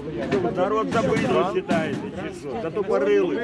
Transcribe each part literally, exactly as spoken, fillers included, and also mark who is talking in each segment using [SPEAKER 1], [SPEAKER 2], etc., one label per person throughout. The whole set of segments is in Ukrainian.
[SPEAKER 1] Народ забидло вважаєте, чи що? Та то парили.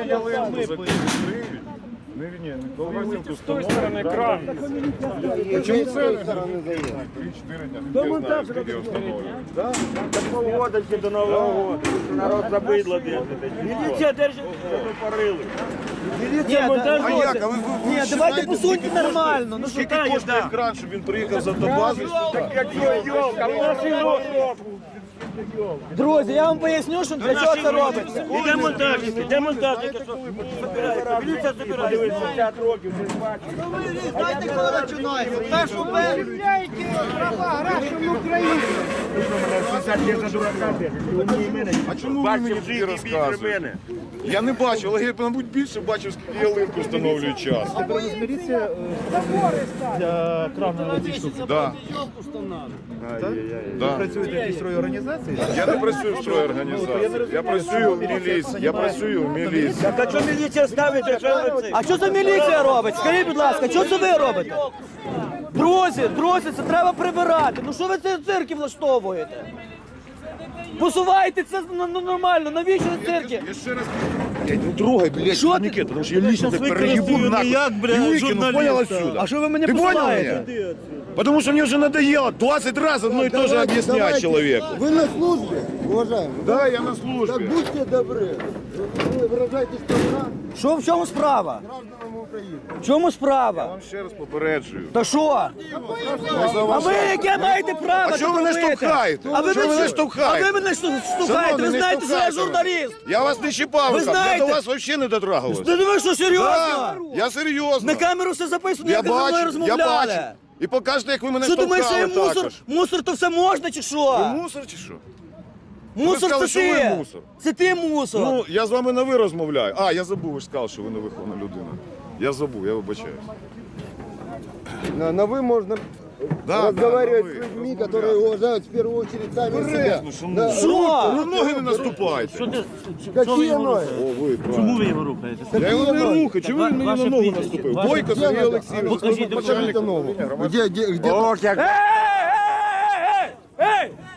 [SPEAKER 2] Не, не, не,
[SPEAKER 3] С той стороны кран.
[SPEAKER 2] Почему с той стороны заехать? три-четыре дня. Не знаю, сколько установлено.
[SPEAKER 1] Так полгода ще до Нового року. Народ забидло держить. Міліція держить, то парили. Міліція монтажує.
[SPEAKER 2] А як? А ви, ви, ви
[SPEAKER 4] Ні, давайте посуньте нормально. Ну що
[SPEAKER 2] Скільки коштує кран, щоб він приїхав з автобази?
[SPEAKER 1] Як йолка, у нас і року.
[SPEAKER 4] друзі, я вам поясню, що для чого це робиться.
[SPEAKER 1] Іде монтажники, де монтажники, що забирається. Міліція забирає. п'ятдесят років, вже бачиш.
[SPEAKER 4] Знаєте, коли починається? Першу першу.
[SPEAKER 2] А чому ви мені тоді розказуєте? Я не бачив, але я, мабуть, більше бачив, скільки ялинку встановлюють час.
[SPEAKER 5] Міліція для крана ці штуки.
[SPEAKER 2] Да. Да.
[SPEAKER 5] Працюєте в якійсь організації?
[SPEAKER 2] Я не працюю в стройорганізації. Я працюю в міліції. Я працюю в міліції.
[SPEAKER 1] Так а що міліція ставить, якщо ви це?
[SPEAKER 4] А що це міліція робить? Скажіть, будь ласка, що це ви робите? Друзі, друзі, це треба прибирати. Ну що ви це цирки влаштовуєте? Посувайте це ну, ну, нормально, навіщо цирки?
[SPEAKER 2] Я ще раз... Блядь, не трогай, блядь,
[SPEAKER 4] Що ти?
[SPEAKER 2] турникет, потому что я лично так переебу нахуй. И выкину, понял, отсюда?
[SPEAKER 4] А що ви мене
[SPEAKER 2] Ты понял
[SPEAKER 4] посилаєте?
[SPEAKER 2] меня? Потому что мне уже надоело двадцать раз одно и то же объяснять человеку.
[SPEAKER 6] Вы на службе, уважаемый?
[SPEAKER 2] Да, я на
[SPEAKER 6] Так
[SPEAKER 2] службе.
[SPEAKER 6] будьте добры. Вы выражаете страна
[SPEAKER 4] Що в чому справа?
[SPEAKER 6] гражданам Украины.
[SPEAKER 4] В чому справа?
[SPEAKER 2] Вам ще раз попереджую.
[SPEAKER 4] Та що? А ви яке маєте право?
[SPEAKER 2] А чого ви
[SPEAKER 4] тут
[SPEAKER 2] не
[SPEAKER 4] робити?
[SPEAKER 2] штовхаєте?
[SPEAKER 4] А ви
[SPEAKER 2] Чого ви
[SPEAKER 4] мене
[SPEAKER 2] не штовхаєте?
[SPEAKER 4] А ви мене шту- штовхаєте?
[SPEAKER 2] Шановний,
[SPEAKER 4] Ви
[SPEAKER 2] не
[SPEAKER 4] знаєте, що я
[SPEAKER 2] штовхайте мене.
[SPEAKER 4] журналіст.
[SPEAKER 2] Я вас не чіпав,
[SPEAKER 4] Ви
[SPEAKER 2] я
[SPEAKER 4] знаєте-
[SPEAKER 2] до вас взагалі не дотрагувався.
[SPEAKER 4] Та ви що, серйозно?
[SPEAKER 2] Да, я серйозно.
[SPEAKER 4] На камеру все записано,
[SPEAKER 2] Я
[SPEAKER 4] як ви зі мною
[SPEAKER 2] бачу, я
[SPEAKER 4] розмовляли.
[SPEAKER 2] бачу. І покажете, як ви мене
[SPEAKER 4] Що думаєш, що я
[SPEAKER 2] штовхали
[SPEAKER 4] мусор?
[SPEAKER 2] також.
[SPEAKER 4] Мусор то все можна чи
[SPEAKER 2] Ви
[SPEAKER 4] що?
[SPEAKER 2] мусор чи що?
[SPEAKER 4] Мусор
[SPEAKER 2] сказали,
[SPEAKER 4] це
[SPEAKER 2] що ви
[SPEAKER 4] ти.
[SPEAKER 2] мусор.
[SPEAKER 4] Це ти мусор.
[SPEAKER 2] Ну, я з вами на ви розмовляю. А, я забув, ви ж сказали, що ви не вихована людина. Я забув, я вибачаюсь.
[SPEAKER 6] На, на вы можно
[SPEAKER 2] Да,
[SPEAKER 6] разговаривать
[SPEAKER 2] да, на
[SPEAKER 6] с
[SPEAKER 2] «ви»,
[SPEAKER 6] людьми,
[SPEAKER 2] розмовляти.
[SPEAKER 6] которые уважают в первую очередь сами себя.
[SPEAKER 2] Бережно, шановні.
[SPEAKER 6] Да,
[SPEAKER 4] Що?
[SPEAKER 2] Ви ноги не наступайте.
[SPEAKER 6] какие ноги?
[SPEAKER 2] О, ви, правильно.
[SPEAKER 3] Чому ви його рухаєте?
[SPEAKER 2] Я його не
[SPEAKER 6] ноги?
[SPEAKER 2] рухаю, чому він мені на
[SPEAKER 3] Ваше
[SPEAKER 2] ногу
[SPEAKER 3] прізвище,
[SPEAKER 2] наступив?
[SPEAKER 3] ваше-
[SPEAKER 2] Бойко
[SPEAKER 6] Где
[SPEAKER 2] Сергій
[SPEAKER 6] надо?
[SPEAKER 2] Олексійович,
[SPEAKER 6] Покажите ногу. Где, где, где?
[SPEAKER 1] Ох, як
[SPEAKER 4] Ей, ей, ей, ей, ей!